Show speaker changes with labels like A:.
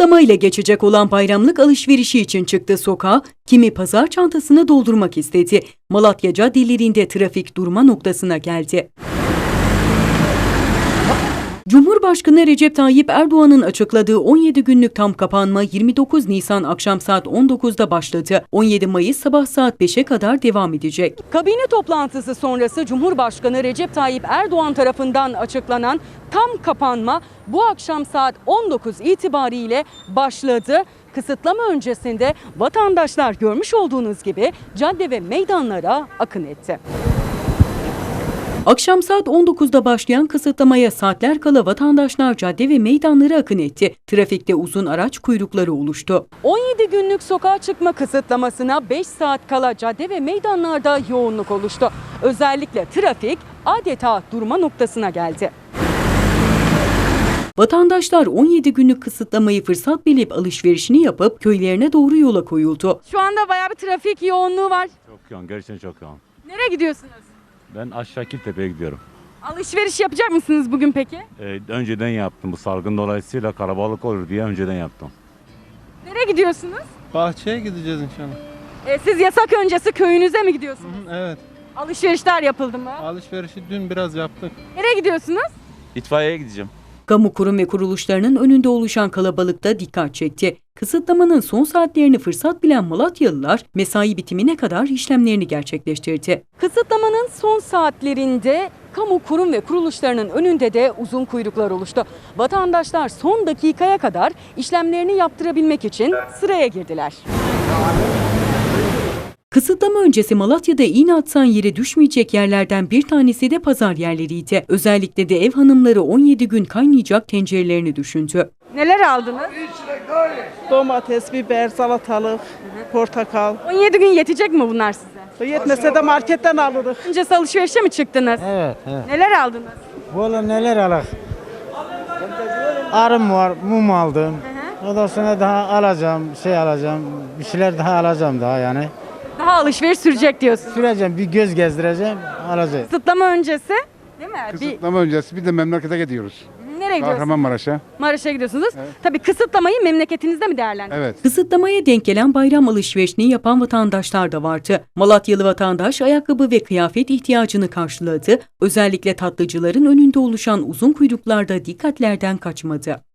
A: Kısıtlama ile geçecek olan bayramlık alışverişi için çıktı sokağa, kimi pazar çantasını doldurmak istedi. Malatya caddelerinde trafik durma noktasına geldi. Cumhurbaşkanı Recep Tayyip Erdoğan'ın açıkladığı 17 günlük tam kapanma 29 Nisan akşam saat 19'da başladı. 17 Mayıs sabah saat 5'e kadar devam edecek. Kabine toplantısı sonrası Cumhurbaşkanı Recep Tayyip Erdoğan tarafından açıklanan tam kapanma bu akşam saat 19 itibariyle başladı. Kısıtlama öncesinde vatandaşlar görmüş olduğunuz gibi cadde ve meydanlara akın etti. Akşam saat 19'da başlayan kısıtlamaya saatler kala vatandaşlar cadde ve meydanlara akın etti. Trafikte uzun araç kuyrukları oluştu. 17 günlük sokağa çıkma kısıtlamasına 5 saat kala cadde ve meydanlarda yoğunluk oluştu. Özellikle trafik adeta durma noktasına geldi. Vatandaşlar 17 günlük kısıtlamayı fırsat bilip alışverişini yapıp köylerine doğru yola koyuldu. Şu anda bayağı bir trafik yoğunluğu var.
B: Çok yoğun, gerçekten çok yoğun.
A: Nereye gidiyorsunuz?
B: Ben aşağı Kiltepe'ye gidiyorum.
A: Alışveriş yapacak mısınız bugün peki?
B: Önceden yaptım. Bu salgın dolayısıyla kalabalık olur diye önceden yaptım.
A: Nereye gidiyorsunuz?
C: Bahçeye gideceğiz inşallah.
A: Siz yasak öncesi köyünüze mi gidiyorsunuz?
C: Evet.
A: Alışverişler yapıldı mı?
C: Alışverişi dün biraz yaptık.
A: Nereye gidiyorsunuz?
D: İtfaiyeye gideceğim.
A: Kamu kurum ve kuruluşlarının önünde oluşan kalabalıkta dikkat çekti. Kısıtlamanın son saatlerini fırsat bilen Malatyalılar mesai bitimine kadar işlemlerini gerçekleştirdi. Kısıtlamanın son saatlerinde kamu kurum ve kuruluşlarının önünde de uzun kuyruklar oluştu. Vatandaşlar son dakikaya kadar işlemlerini yaptırabilmek için sıraya girdiler. Kısıtlama öncesi Malatya'da iğne atsan yere düşmeyecek yerlerden bir tanesi de pazar yerleriydi. Özellikle de ev hanımları 17 gün kaynayacak tencerelerini düşündü. Neler aldınız?
E: Domates, biber, salatalık, portakal.
A: 17 gün yetecek mi bunlar size?
E: Yetmese de marketten alırız.
A: Öncesi alışverişe mi çıktınız?
F: Evet.
A: Neler aldınız?
F: Valla neler alak? Arım var, mum aldım. Ondan sonra daha alacağım, bir şeyler daha alacağım daha yani.
A: Daha alışveriş sürecek diyorsunuz.
F: Süreceğim, bir göz gezdireceğim, alacağım.
A: Kısıtlama öncesi değil mi?
G: Kısıtlama öncesi bir de memlekete gidiyoruz.
A: Nereye gidiyorsunuz?
G: Kahramanmaraş'a.
A: Maraş'a gidiyorsunuz. Tabii kısıtlamayı memleketinizde mi değerlendiriyorsunuz?
G: Evet.
A: Kısıtlamaya denk gelen bayram alışverişini yapan vatandaşlar da vardı. Malatyalı vatandaş ayakkabı ve kıyafet ihtiyacını karşıladı. Özellikle tatlıcıların önünde oluşan uzun kuyruklarda dikkatlerden kaçmadı.